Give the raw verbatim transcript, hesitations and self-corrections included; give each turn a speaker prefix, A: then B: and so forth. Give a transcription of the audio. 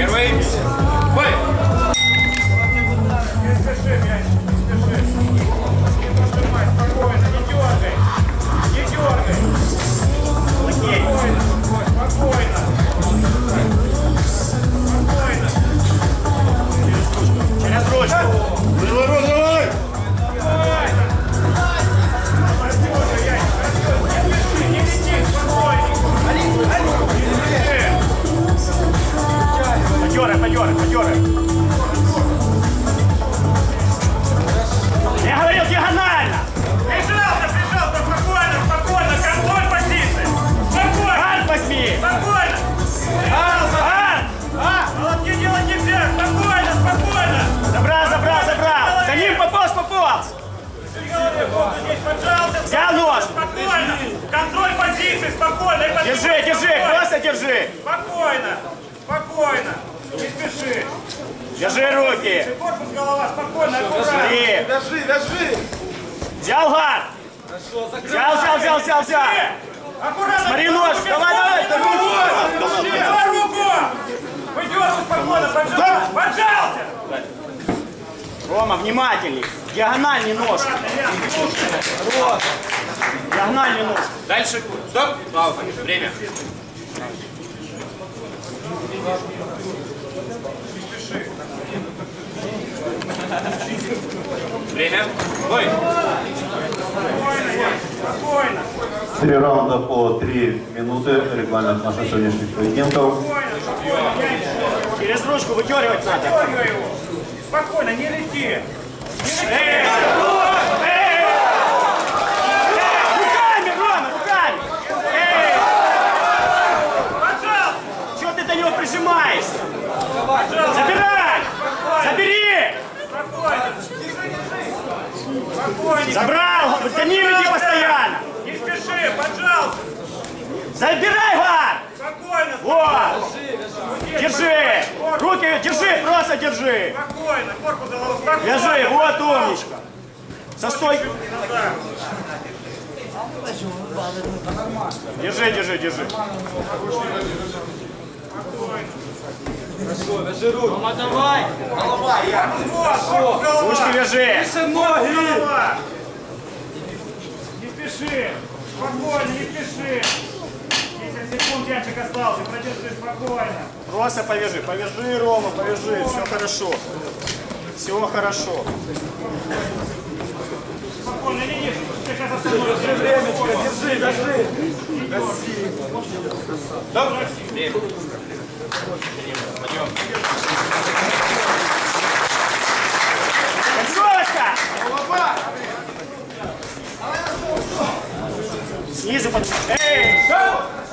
A: Первый. Бой.
B: Не спеши, мяч, не спеши. Не пожимай, спокойно, не дергай. Не дергай. Спокойно, спокойно. Спокойно.
C: Через ручку.
D: Давай, давай, давай!
B: Не лети, спокойненько.
C: Подерай, подерай, подерай. Я говорил диагонально.
B: Прижался, прижался, спокойно, спокойно. Контроль позиции. Спокойно.
C: Ан возьми.
B: Спокойно.
C: Ан!
B: Молотки делать нельзя. Спокойно, спокойно.
C: Забрал, забрал, забрал. За ним пополз, пополз.
B: Здесь поджался.
C: Взял нож.
B: Спокойно. Контроль позиции, спокойно.
C: Держи, держи, просто держи.
B: Спокойно. Спокойно. Не спеши.
C: Держи руки.
B: Корпус, голова, спокойно, аккуратно.
C: Смотри.
D: Вяжи, вяжи!
C: Взял гад. Взял, взял, взял, взял, взял.
B: Аккуратно.
C: Смотри нож. Давай, давай, давай.
B: Давай руку. Выдергивай спокойно, поджался. Поджался.
C: Рома, внимательней. Диагональный нож. Диагональный нож.
A: Дальше. Стоп. Пауза. Время. Время. Бой.
B: Спокойно.
E: Три раунда по три минуты. Регламент наших сегодняшних поединков.
C: Через ручку выдергивать надо.
B: Дергай его. Спокойно, не лети.
C: Эй! Эй! Руками, Рома, руками! Эй!
B: Поджался.
C: Чего ты до него прижимаешься? Забирай! Забери!
B: Спокойно. Спокойно.
C: Забрал! За ним иди постоянно!
B: Не спеши, поджался.
C: Забирай, гад!
B: Спокойно.
C: Вот! Держи! Руки держи, просто держи!
B: Спокойно. Корпус, голова, спокойно.
C: Держи, вот умничка! Со стойки! Держи, держи, держи!
D: Рома, давай! Голова, я!
C: Ручки вяжи!
B: Голова. Не спеши. Спокойно, не спеши. десять секунд ячик остался. Продержи спокойно.
C: Просто повяжи, повяжи, Рома, повяжи, все хорошо. Все хорошо.
B: Спокойно, не лезь. Ты сейчас остановишься.
D: Держи, держи!
A: Стоп. Время. Подъем.
C: Концовочка! Снизу под... Эй!